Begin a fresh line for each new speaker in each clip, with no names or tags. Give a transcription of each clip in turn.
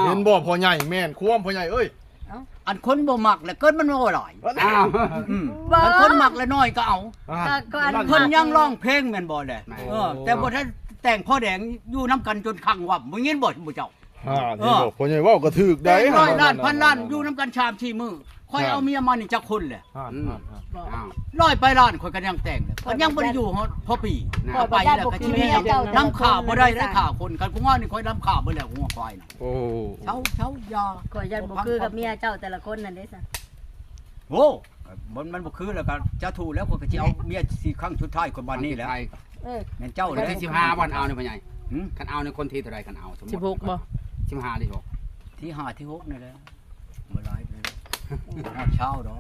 เห็นบ่พ่อใหญ่แม่นควมพ่อใหญ่เอ้ย
อันคนบ่มักแล้วเกินมันบ่หลาย
อ้าว
อันคนมักแล้วน้อยก็เอา
ก็อัน
เพิ่นยังร้องเพลงแม่นบ่แหละแต่บ่ทันแต่งพ่อแดงอยู่นํกันจนคังวับบ่ยินบ่เจ้า
นี่บ่พ่อใหญ่เว้าก็ถูกได้
ได้ร้อยล้านพันล้านอยู่นํกันชามชีมือค่อยเอาเมียมานี่จักคนแหละ ร้อยไปล้านข่อยก็ยังแต่งเลยมันยังบ่ได้อยู่พอปีพอไปแล้วก็ชีวิตนำข่าวบ่ได้ข่าวคนกันกูว่านี่ข่อยนำข่าวบ่แล้วหัวควายน่ะ
โอ้
เช้ายา
ก็ยันบ่คือกับเมียเจ้าแต่ละคนนั่นเด้ซะ
โอ้มันบ่คือแล้วก็จะถูกแล้วข่อยก็สิเอาเมียสิครั้งสุดท้ายคนบ้านนี้แล้วแม่นเจ้า
คน
แล้ว
ที่15วันเอาเนี่ยพ่อใหญ่คันเอาในคนที่เท่าไรคันเอาสมมุติ
16บ่
15หรือ6
ที่5ที่6นี่แหละบ่หลายไปเช้าดอก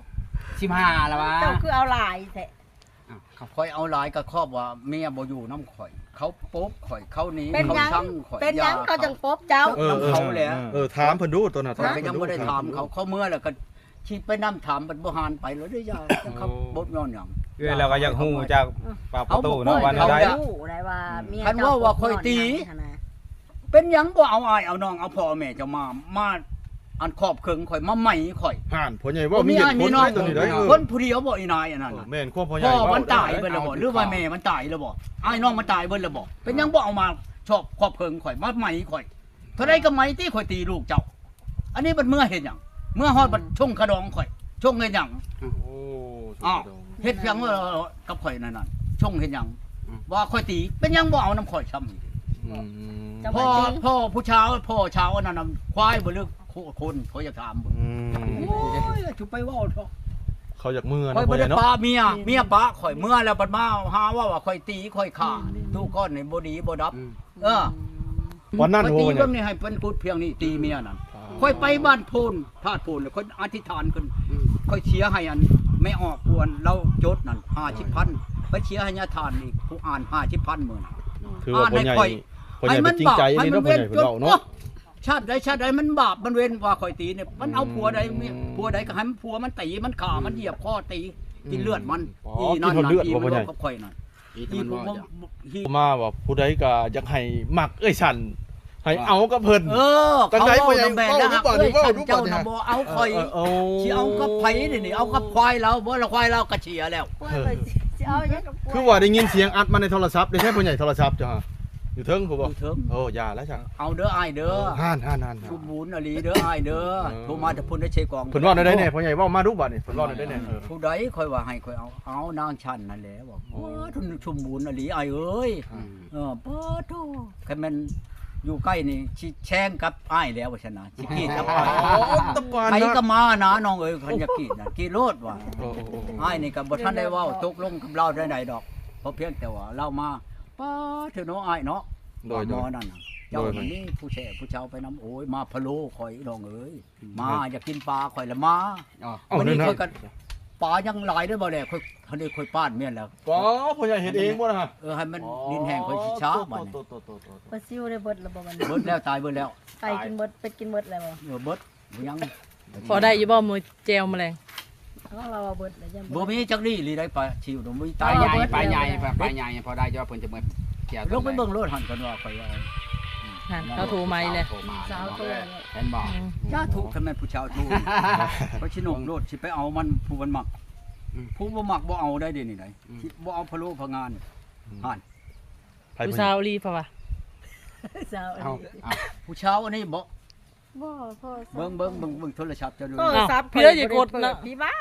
15แล้ววะ
เจ้าคือเอาหลายแท้
ข่อยเอาหลายก็ครอบว่าเมียบ่อยู่นำข่อยเขาป๊บข่อยเขาหนี
เป็น
เขา
หยัง
ชังข่อย
เป็นหยังเขาจังปบเจ้า
ถามเพิ่นดูตัวน่ะ
ข่อยก็ยังบ่ได้ถามเขาเมื่อแล้วก็คิดไปนำถามบัดบ่หานไปแล้วเด้อยาเขาบ่ย้อนหยัง
เราก็อยากฮู้จากปากประตูเนาะว่า
เขา
ได้
รู้ได้ว่าเมีย
คันว่าข่อยตี เป็นหยังบ่เอาอายเอาน้องเอาพ่อแม่เจ้ามาอันครอบครึงข่อยมาใหม่ข่อย
ห่านพ่อใหญ่เว้ามีเหตุผลได้ตัวนี้ได้
คนผู้เดียวบ่อีนายอันนั้น
แม่นควมพ่อใหญ่
พ่อ
เว้า
มันตายเบิดแล้วบ่หรือว่าแม่มันตายแล้วบ่อ้ายน้องมันตายเบิดแล้วบ่เป็นหยังบ่เอามาชอบครอบครึงข่อยมาใหม่ข่อยเท่าใดก็ใหม่ที่ข่อยตีลูกเจ้า อันนี้มันเมื่อเฮ็ดหยังเมื่อฮอดบัดชงขะดองข่อยชงเฮ็ดหยัง
โอ้
อ้าวเฮ็ดเพียงว่ากับข่อยนั่นน่ะชงเฮ็ดหยังว่าข่อยตีเป็นหยังบ่เอาน้ำข่อยซ้ำ พ่อผู้เช้าพ่อเช้าอันนั้นน่ะควายบ่เลือกคนเขาอยากถามบ่โอ้ยจุไปเว้าเถอะ
เขาอยากมือ
ข่อย
นะพ่
บ่
อให
ได้
ญ่เนาะ
ปาเมียปะข่อยเมื่อแล้วบัดมาหาว่าข่อยตีข่อยฆ่าทุกคนนี่บ่ดีบ่ดับ
วันนั้น
ข่อย
โห
ตี
เนี่
เบิ่
ย
งนี่ให้เพิ่นพูดเพียงนี้ตีเมียนั่นข่อยไปบ้านโพนธาตุโพนแล้วข่อยอธิษฐานขึ้นข่อยเชียร์ให้อันไม่ออกควรเราจดนั่น50,000ไปเชียร์ให้ญาทานอีกผู้อ่าน50,000มื้อ
ถือว่าพ่อใหญ่พ่อใหญ่เป็นจริงใจนี่เนาะพ่อใหญ่เพิ่นเว้าเนาะ
ชาติใดมันบาปมันเว้นว่าข่อยตีเนี่ยมันเอาผัวใดก็ให้มันผัวมันตีมันข่ามันเหยียบคอตีกินเลือดมันนั่นอีมันลงกับข่อยนั่นอีผม
มาว่าผู้ใดก็อยากให้มักเอ้ยฉันให้เอากับเพิ่น
เขาเอาแบนแล้วฉันเจ้าน่ะบ่เอาข่อยสิเอากับไผนี่เอากับควายเราบ่ละควายเราก็เชียแล้ว
เอาอย่างกับ
คือว่าได้ยินเสียงอัดมาในโทรศัพท์ได้ใช่พ่อใหญ่โทรศัพท์จ้ะอยู่เทิงผู้บ่
เถิง
โอ้ยาแล้วจ้ะ
เอาเด้ออ้ายเด้อ
ห่าน
ชุบบุญอลีเด้ออ้ายเด้อโทรมาแต่พุ่นได้เชกอง
เพิ่นว่าได้แน่พ่อใหญ่เว้ามาดูบัดนี่เพิ่นว่าได้แน่
ผู้ใดค่อยว่าให้ค่อยเอานางชันนั่นแหละบอกโอ้ทุนชุมบุญอลีอ้ายเอ้ยปอโธ่คันมันอยู่ใกล้นี่สิแช่งกับอ้ายแล้วว่าซั่นน่ะสิกีดกับอ้าย
ตะปาน
ใคร
นะ
ก็มานะน้องเอ้ยคันจะกีดน่ะกีดโลดว่าอ้ายนี่ก็บ่ทันได้เว้าตกลงกับเราได้ดอกเพราะเพียงแต่ว่าเรามาป้าเถอะเนาะอ้ายเนาะหมอนั่นน่ะเจ้ามันนี่ผู้แช่ผู้เชาไปน้ำโอ้ยมาพะโล้ข่อยน้องเอ้ยมาอยากกินปลาข่อยละมาวันนี้ข่อยก็ปลายังหลายได้บ่แลข่อยทันได้ข่อยป้านเมียนแล้ว
ป๋อพ่อใหญ่เฮ็ดเองบ่นะฮะ
ให้มันดินแห้งข่อยสิช้าบัดนี้
บ่ซิวได้เบิดแล้วบ่มัน
เบิดแล้วตายเบิดแล้ว
ไปกินเบิดเป็ดกินเบิดแล้วบ่
เบิดยัง
พอได้อยู่บ่มือแจวแมลง
เราเบิดแล้วยัง
บ่มีจักดีหรือได้ปลาชิวบ่มี
ป
ตา
ลาย ใหญ่ปลาใหญ่พอได้จะว่าเพิ่นจะเหมือนเกี่ยว
ลงไปเบิ่งรถหันกันว่าข่อยว่า
หันเขาโทรมาเลย
สาวตัว
เห็นบ่
ย่าถูกคันแม่นผู้ชาวถูกเพราะชินงโลดสิไปเอามันผู้มันมักผู้บ่มักบ่เอาได้เด้นี่ไหนบ่เอาพะโล้พะงานหัน
ผู้สาวรีเพราะว่า
สาว
เอา
ผู้ชาวอันนี้บ่
บ่พ่อ
เบิ่งโทรศัพท์จะดู
พี่เด้อย่ากดนะ
พี่บ้า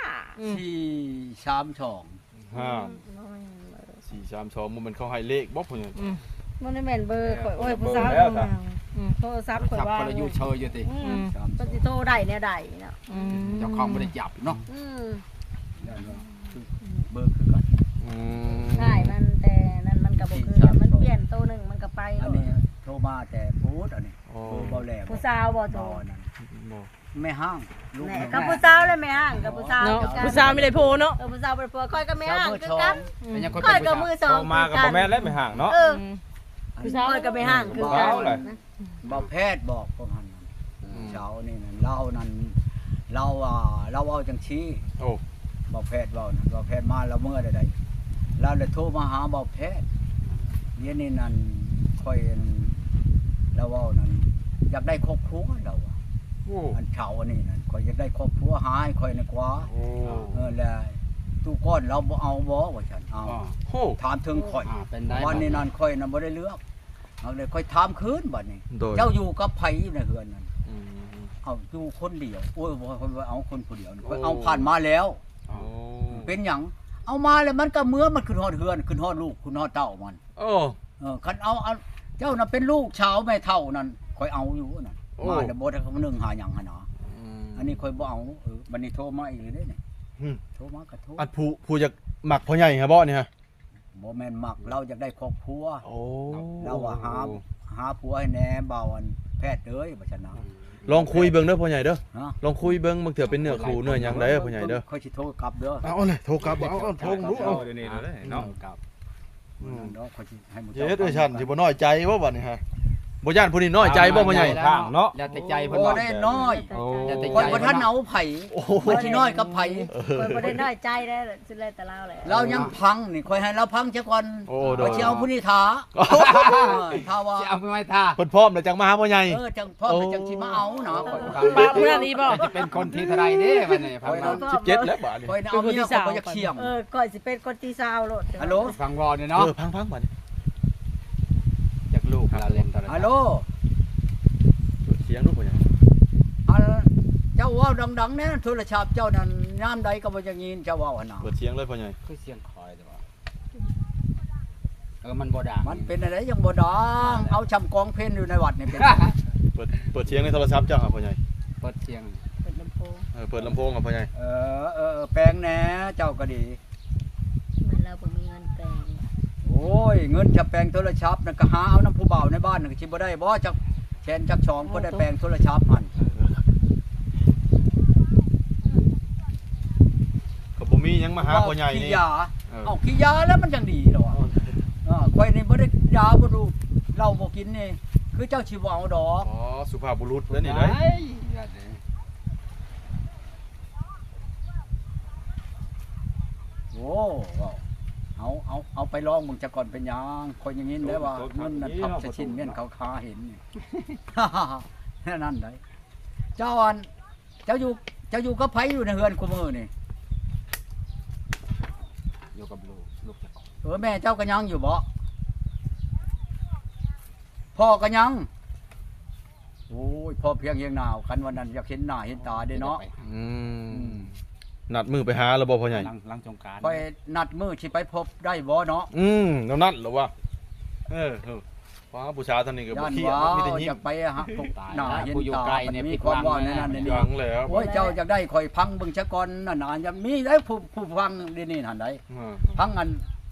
432
432มันเขาให้เลขบ่พ่อใหญ่
มันได้แม่นเบอร์ข่อยโอ้ยผู้สาวโทรศัพท์ข่อย
จับ
ว่า
คนละอยู่เชยอยู่ติ
ปฏิโทรได้แนวใดเนาะ
เจ้าของบ่ได้จับเนาะ
เบอร์คือกัน
ง่ายมันแต่นั่นมันก็บ่คือมันเปลี่ยนตัวนึงมันก็ไป
อันนี้โทรมาแต่พูดอันนี้เบาแหลม
ผู้สาวบ่โทร
นั่นแม่ห้างลูก
แหน่กับผู้สาวเลยแม่ห่างกับผู้สาว
เนาะผู้สาวไม่ได้โพเนาะ
ผู้สาวบ่ได้ผัวค่อยก็แม่ห่างคือกัน
เป็นยังคน
ค่อย
เป็น
ก็
ผู้
มือ
สาว
สอง
มากับบ่แม่นและไม่ห่างเนาะ
ผู้สาว
ค่อยก็ไม่ห่างคือกัน
เบาแพทย์บอกพวกนั้นเช้านี่นั่นเรานั่นเราเอาจังชี้
โอ้
เบาแพทย์เบานั่นเบาแพทย์มาเราเมื่อใดเราเลยโทรมาหาเบาแพทย์เดี๋ยวนี้นั่นค่อยเราเว้านั่นอยากได้ครอบครัวเราอะ
โอ้
อันเฒ่าอันนี้นั่นข่อยอยากได้ครอบครัวหาให้ข่อยในกว่า
โอ้
แล้วตู้ก้อนเราบ่เอาบ่ว่าฉันเอา
อ๋อ
โห
ถามถึงข่อย
เป็นได้
วันนี้นั่นข่อยน่ะบ่ได้เลือกเอาเลยข่อยถามคืนบัดนี้
โดย
เจ้าอยู่กับไผอยู่ในเฮือนนั่น
อืม
เอาอยู่คนเดียวโอ้ยบ่ข่อยว่าเอาคนผู้เดียวนี่
โอ้
ข่อยเอาผ่านมาแล้ว
โอ้
เป็นหยังเอามาแล้วมันก็เมื่อมันขึ้นฮอดเฮือนขึ้นฮอดลูกขึ้นฮอดเต้ามัน
โอ้
คันเอาเจ้าน่ะเป็นลูกชาวแม่เฒ่านั่นข่อยเอาอยู่นั่น
โอ้
มาแล้วบ่ได้คำนึงหาหยังหั่นเนาะ
ม
อันนี้ข่อยบ่เอาบัดนี้โทรมาอีกเลยเด้นี่
อืม
โทรมาก็โทร
อันผู้อยากหมักพ่อใหญ่ฮะบ่เนี่ยฮะ
บ่แม่นมักเราอยากได้ครอบครัว
โอ้
เราว่าหาผัวให้แหน่เบาอันแพทย์เอ้ยบ่ชนะ
ลองคุยเบิ่งเด้อพ่อใหญ่เด้อ
ฮะ
ลองคุยเบิ่งบางเทื่อเป็นเนื้อคู่เนื้อหยังได้เด้อพ่อใหญ่เด้อ
ค่อยสิโทรกลับเด้อ
เอาเลยโทรกลับเอาโทรรู้เอา
เดี๋ยวนี้เลยเนาะ
กับ
เนาะค่อยสิให้หมู่
เฮ็ดด้วยฉันสิบ่น้อยใจบ่บัดนี้ฮะบ่ย่านผู้นี้น้อยใจบ่พ่อใหญ่
ข้างเนาะ
แล้วแต่ใจเพิ่น
บ่
ว่า
ได้น้อย
โอ้
แต่ใจ
ค่อยบ่ทันเอาไผ
โอ้โห
มันสิน้อยกับไผ
คนบ่ได้น้อยใจได้สิเลยแต่เราแหละ
เรายังพังนี่ค่อยให้เราพังซะก่อน
โอ้โด
บ่
ย
สิเอาผู้นี้ท้าถ้าว่า
จะเอาไปไว้ท่า
เพิ่นพร้อมแล้วจังมาหาพ่อใหญ่
จังพ่อไปจังสิมาเอาเนาะค่อย
ปะมื้อนั้นอีบ่
จะเป็นคนที่เท่าไรเด้บัดนี้ฟังมา
17แล้วบาดนี้
ค่อยน่ะเอาเมียค่อยบ่อยากเชี่ยง
ก่อนสิเป็นคนที่20โลด
ฮัลโหล
ฟังวอเนี่ยเนาะ
พังบัดนี้
จากลูกเราเล่นตอนนั้น
ฮัลโหล
เสียงลูกพ่อใหญ่
อันเจ้าเว้าดังๆแน่โทรศัพท์เจ้านั่นยามใดก็บ่จะยินเจ้าเว้าหั่นน่ะ
เปิดเสียงเลยพ่อใหญ่
คือเสียงคอยแต่ว่ามันบ่ดัง
มันเป็นอะไรยังบ่ดังเอาชำกองเพลนอยู่ในวัดนี่เป็น
เปิดเสียงในโทรศัพท์จังครับพ่อใหญ่
เปิดเสียง
เป็นลำโพง
เปิดลำโพงครับพ่อใหญ่
แปลงแหน่เจ้าก็ดี
เหมือนเราบ่มีเงินแปลง
โอ้ยเงินจะแปลงโทรศัพท์นั่นก็หาเอาน้ำผู้บ่าวในบ้านนั่นก็สิบ่ได้บ่จักแชนจัก2ก็ได้แปลงโทรศัพท์มัน
ก็บ่มีหยังมาหาพ่อใหญ่
ขี้
นี่
ยาเอาขี้ยาแล้วมันจังดีเหรอข่อยนี่บ่ได้ยาบ่รู้เหล้าบ่กินนี่คือเจ้าสิบ่เอาดอก
อ๋อสุภาพบุรุษแล้วนี่ได้
โอ้เอาไปลองมึงจะก่อนเป็นหยังข่อยอย่างนี้ได้ว่าเงินนั่นทับจะชิ้นเม่นเขาคาเห็นนี่ แค่นั้นได้เจ้าอันเจ้าอยู่กับไผอยู่ในเฮือนคุมื้อนี่
อยู่กับลูกจะ
แม่เจ้าก็ยังอยู่บ่พ่อก็ยังโอ้ยพ่อเพียงเฮียงหนาวคันวันนั้นอยากเห็นหน้าเห็นตาเด้เนาะ
อืมนัดมือไปหาแล้วบ่พ่อใหญ่
หลังสงกรานต์
ไปนัดมื้อสิไปพบได้บ่เนาะ
แล้วนัดเหรอวะฟ้าผู้ชายท่านนี้ก็บ่
ย่าน
เครียด
ว่า
มีแต่ยิ้
อ
ม
ยากไปหาพบหน้าเห็น
ผู้อยู่
ตา
ไกล
มัน
เนี่ย
มี
ผิด
ความ
หวั
ว่าง ในนั้นใน
ยั
นี้
งแล้ว
โอ้ยเจ้าอยากได้ข่อยพังเบิ่งซะก่อนนั่นน่ะยังมีได้ผู้ฟังเดี๋ยวนี้หั่นได้พังอัน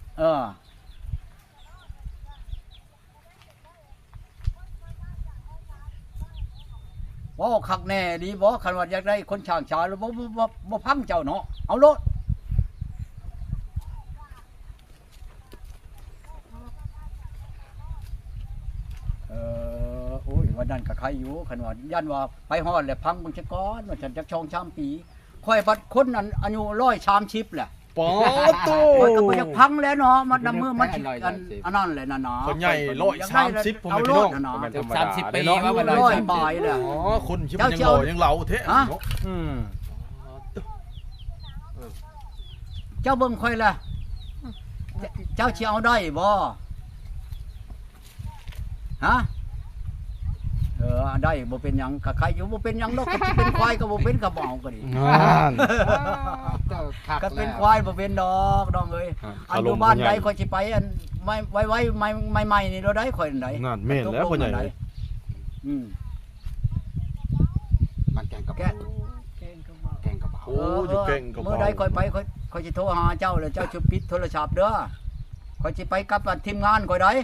ว่าคักแน่ดีบ่คันว่าอยากได้คนช่างชาแล้วบ่พังเจ้าเนาะเอาโลดโอ้ยวันนั้นก็ใครอยู่คันว่ายันว่าไปฮอดแล้วพังเบิ่งซะก่อนว่าฉันจักชองชามปีค่อยบัดคนนั้นอายุ130แหละ
ปอโต
ข่อยก็บ่อยากพังแล้วเนาะมันนำมือมันสิอันนั้นแหละนะเนาะ
คนใหญ่130ผม
เอา
เป็น
โล
พี่น้อ
ด
ง
นะเนาะ
ธรรมดา
30 ปี
เนาะ
ว่ามัน
ร้อยบายเลย
อ๋อคนชิบยังหล่อยังเหลาเทะ
เจ้าเบิ่งค่อยล่ะเจ้าสิเอาได้บ่ฮะได้บ่เป็นหยังก็ใครอยู่บ่เป็นหยังดอกก็สิเป็นควายก็บ่เป็นก็บ่เอาก็ดี
นั่น
ก็เป็นควายบ่เป็นดอกน้องเอ้ยอันอยู่บ้านใดค่อยสิไปอันไว้ใหม่ๆนี่เราได้ค่อยอันใด
นั่นแม่นแล้วพ่อใหญ่
มันแกงกับ
แกะ
แกงกับเบา
โอ้อยู่เก่งกับ
เมื่อใดค่อยไปค่อยสิโทรหาเจ้าแล้วเจ้าสิปิดโทรศัพท์เด้อค่อยสิไปกับทีมงานค่อยได้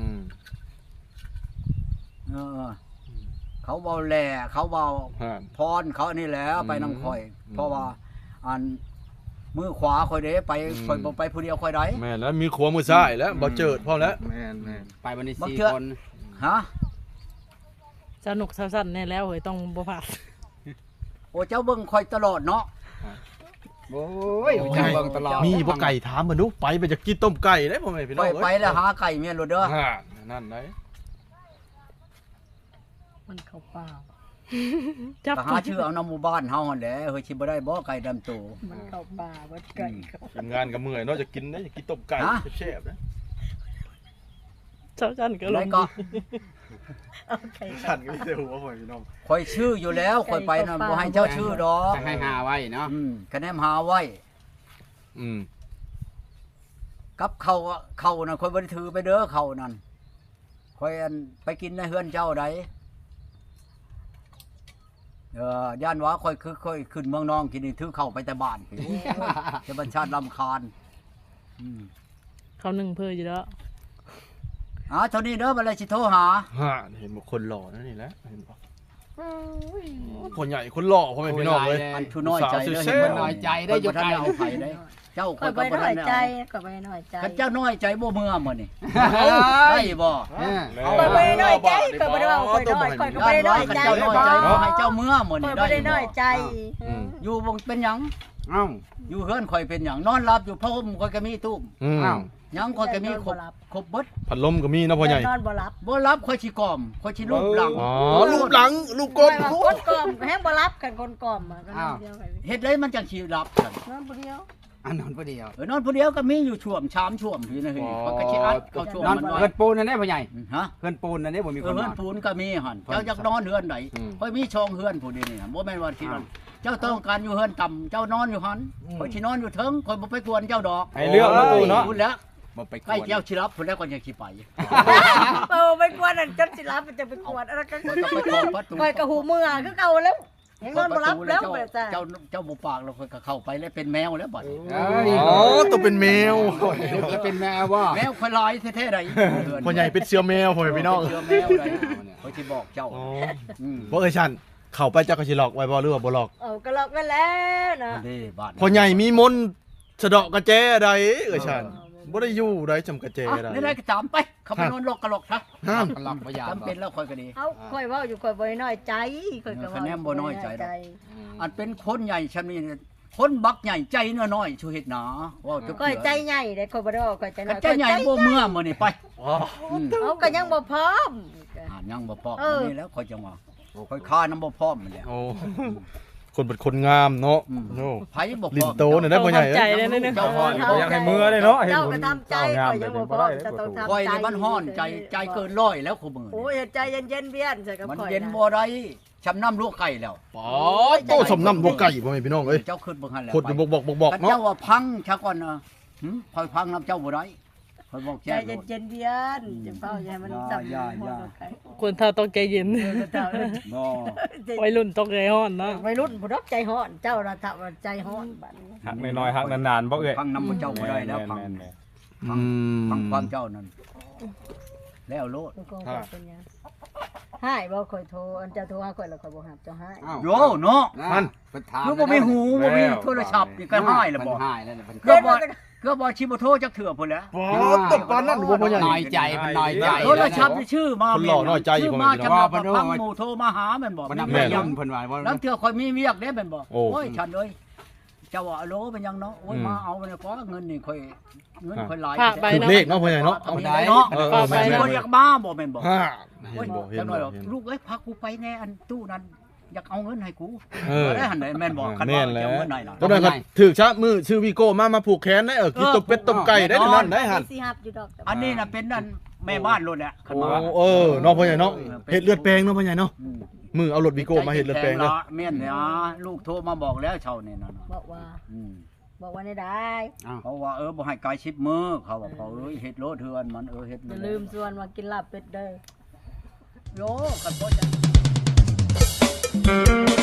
เขาเบาแหล่เขาเบาพรเขานี่แหละไปนำค่อย เพราะว่าอันมือขวาค่อยเด้ไปค่อยบ่ไปผู้เดียวค่อยได้
แม่แล้วมีขวามือซ้ายแล้วบ่เจิดพร้อมแล้ว
แม่นไปวันนี้4คน
ฮะ
สนุกสั้นๆแน่แล้วเฮ้ยต้องบ่พลาด
โอ้เจ้าเบิ่งค่อยตลอดเนาะ
โอ้ยจังเบิ่งตลอด
มีบ่ไก่ถามมันดูไปจะกินต้มไก่ได้พ่อแม่พี่น้
ค่
อ
อง ยไปแล้วหาไก่เมียนโลดเด้อ
นั่นไหน
มันเข้าป่า
จับ
ก็หาชื่อเอาน้ำหมู่บ้านเฮาหั่นแหละเฮ้ยสิบ่ได้บ่ไก่ดำโต
มันเข้าป่าบ่ไก่เข้า
ทำงานกับเมื่อยเนาะจะกินนะจะกินต้มไก่
ฮะ
แซ่บๆนะ
เจ้าจันก็ล
แล้
ง
วก็
เอาไก่
ขันก็มีแต่หัวพ่อพี่น้อง
ข่อยชื่ออยู่แล้วข่อยไปน่ะบ่ให้เจ้าชื่อดอก
จะให้หาไว้เนาะ
คะแนนหาไว้
อืม
กับเขาน่ะข่อยบ่ได้ถือไปเด้อเขานั่นข่อยอันไปกินในเฮือนเจ้าใดย่านว่าข่อยคือข่อยขึ้นเมืองนองกินนี่ถือเข้าไปแต่บ้านพี่จะบัญชาติรำคาญ
เขาหนึ่งเพื่ออยู่แล้ว
เท่านี้เด้อบ่เลยสิโทรหา
ฮะเห็นบอกคนหล่อนั่นนี่แหละเห็นบอกคนใหญ่คนหล่อพ่อแม่พี่น้องเลย
อันผู้น้อยใจเด้อ
สาว
เห็น
เซ่
บ่
น้อยใจได้อยู่ไกล
เอาไปได้เจ้า
ก็
ข่อย
ไป
ก็บ่
น้
ทั
อน ย
ได้
ใจ
เอา
ก็ไปน้อยใจ
คันเจ้าน้อยใจบ่เมื่อมื้อนี่ได้บ่
ก็ไปน้อยใจก็บ่ได้ว่าค่อยน้อยค่อยก็บ่ได้น้อยใจ
เจ้าน้อยใจบ่ให้เจ้าเมื่อมื้อ
ค่อ
นี่
ย
ได้
บ่ได้น้อยใจ
อยู่บ่เป็นหยัง
เอ้า
อยู่เฮือนข่อยเป็นหยังนอนหลับอยู่พระห่มข่อยก็มีตู้ม
อืม
อ้าว
หยังข่อยก็มีครบเบิด
พัดลมก็มีเนาะพ่อใหญ่
นอนบ่หลับ
บ่รับข่อยสิกล่อมข่อยสิรูปหลัง
อ๋อรูปหลังรูปก้น
คนกล่อมแฮงบ่รับกันคนกล่อมก็นอนเดียวกัน
เฮ็ดเลยมันจังสิรับกัน
นอนผู้เดียว
อันนอนผู้เดียวน
อนผู้เดียวก็มีอยู่ช่วมชามช่วมอยู่นะเฮ้ยข่อยก็สิอัดเอาช่วม
นอน
มันไว้
เฮือนปูนนั่นได้พ่อใหญ่
ฮะ
เฮือนปูนนั่นได้บ่มีคน
เฮื
น
อน
อน
ปูนก็มีหั่นเจ้าอยากนอนเฮือนไหนข่อยมีช่องเฮือนผู้นี้นี่บ่แม่นว่าที่นั่นเจ้าต้องการอยู่เฮือนต่ำเจ้านอนอยู่หั่นข่อยสินอนอยู่เทิงข่อยบ่ไปกวนเจ้าดอก
ให้เลือกเนาะตู้เนาะ
พูดแล้ว
บ่ไปก
ใกล้
วน
เจ้าสิรับพุ่นแล้วก็ยังสิไป
ไปกวนนั่นจนสิรับมันจะไปกวนอะไรกัน
ข่อยก็ไปเคาะประตู
คอยกระหูมือคือเก่าแล้วยังนอนบ่รับแล้ว
เจ้าบ่ปากแล้วข่อยก็เข้าไปแล้วเป็นแมวแล้วบัดนี้
เอ้ย
อ๋อตัวเป็นแมว
แล้วเป็นแม่ว่า
แมวข่อยลายแท้ๆใด
พ่อใหญ่เป็นเสือแมวพ่อแม่พี่น้อง
เชื่อแมวใดข่อยสิบอกเจ้า
อ๋อ
ม
บ่เอ้ยชันเข้าไปเจ้าก็สิหลอกไว้บ่หรือว่าบ่หลอก
ก็หลอกกันแล้วนะ
นี่บ้าน
พ่อใหญ่มีมนต์สะเดาะกระแจใดเอ้ยชันบ่ได้อยู่ได้จำกระแจใด
นี่ได้ก็ตามไปเขาไปนอนหลอกกะหลอกซะ
ห้าม
หลอกบ่ยา
จำเป็นแล้วข่อยก็ดี
เอาค่อยเว้าอยู่ค่อยบ่น้อยใจค่อยก็
คะแนนบ่น้อยใจดอก อันเป็นคนใหญ่ชำนี้คนบักใหญ่ใจน้อยๆชูเฮ็ดหนาว่าจะ
ค่อยใจใหญ่ได้ค่อยบ่ได้ว่าค่อยใจน้อย
ใจใหญ่บ่เมื่อมื้อนี้ไป
อ๋อ
เอาก็ยังบ่พร้อม
ยังบ่พร้อมนี่แล้วข่อยจังว่าข่อยค่าน้ำบ่พร้อมมันแหละ
โอ้คนเป็นคนงามเนาะโอ้
ไผบ่พ
ลิ้
ร้อน ม
โตเนี่ยได้พ่อใหญ่
ใจ
เอ้ย
เลยนะเนี่ย
เจ้าฮ้อน
อยากให้มือเลยเนาะ
เจ้าก็ทำใจค่อยยังบ่พร้อมจะต้องทำใจ
ข่อยนี่มันฮ้อนใจเกินร้อยแล้วคู่มื้อ
โอ้ยใจเย็นๆเบี้ยนใส่กับ
มัน
ข่อย
เย็นบ่ได้ชำน้ำลวกไก่แล้ว
ป๋อโตสมน้ำบกไก่พ่อแม่พี่น้องเอ้ย
เจ้าขึ้นเบิ่งหั่นแล้ว
คนอยู่บอก
กัน
เนาะ
เจ้าว่าพังชะก่อนนะข่อยพังน้ำเจ้าบ่ได้ข่อยบอก
ใจ
แจ้งโลด
เย็นๆเบี้ยนจะเฝ้าอย่ามันจับ
คนเท่าต้องใจเย็น
บ่
วัยรุ่นต้องใจร้อนเนาะ
วัยรุ่นผู้รับใจฮ้อนเจ้าระทับใจฮ้อนบัดนี้
หักน้อยๆหักนานๆบ่เอ้ย
พังน้ำเจ้าบ่ได้แล้วพัง
ม่น
อืม
ฟังความเจ้านั่นแล้วโลด
ลูกก็เป็นยังหายบ่ค่อยโทรอันเจ้าโทรหาข่อยแล้วข่อยบ่รับเจ้าหาย
โยเนาะ
มัน
เพิ่นถาม
คือบ่มีหูบ่มีโทรศัพท์นี่ก็หายแล้วบ่
หายแล้วเพิ่น
ก็บ่ชิบ่โทรจักเถื่อพุ่นแหล้ว
ป๋อตบปานนั้นบ่พ่อใหญ่
น้อยใจมันน้อยใจ
โทรศัพท์นี่ชื่อมา
คนหล่อน้อยใจอยู่
ชื่อ
บ่
มา
แม่น
จำว่าพังหมู่โทรมาหาแม่นบ่
มัน
มี
นำ
เวี
แม่
ยก
ยั
ยัง
งเพิ่นว่าว่า
แล้วเถื่อข่อยมีเวียกเด้แม่นบ่
โอ้
โอ้ยฉันเอ้ยเจ้าว่าโลเป็นยังเนาะโอ้ยมาเอาเนี่ยขอเงินนี่ค่อยเงินค่อยหลาย
ฝากใบ
ถูกเลขเนาะพ่อใหญ่เนาะ
เอาได้เนาะ
แม่น
บ่อยากมาบ่แม่นบ่
ฮ่า
โอ้
เห็
ย
นบ่เห็น
จังหน่
บ่
อยหรอก
เห็น
ลูกเอ้ยพากูไปแน่อันตู้นั้นอยากเอาเงินให้กู
เออ
ได้หันได้แม่นบ่คัน
แม่
ว่าน
แล้
จะ
ว
เอาเงินไหนน่ะ
ตอนนั้นก็ถือชะมือชื่อวีโก้มาผูกแขนได้กินตบเป็ดตบไก่ได้เท่านั้นได้หัน
สิฮับอยู่ดอก
อันนี้น่ะเป็นนั่นแม่บ้านโลดแหละคัน
โอ้
ว่า
เออเนาะพ่อใหญ่เนาะเฮ็ดเลือดแปลงเนาะพ่อใหญ่เนาะ
อืม
มือเอารถวีโก้มาเฮ็ดเลือดแปลงเนาะ
แม่นเนี่ยลูกโทรมาบอกแล้วเช้านี่นั่นน่ะ
บอกว่า
อืม
บอกว่าได้
เขาว่าบ่ให้กาย10มื้อเขาว่าเขาเอ้ยเฮ็ดโลดเทือนมันเฮ็ด
อย่าลืมชวนมากินลาบเป็ดเด้อ
โยกันบ่จะ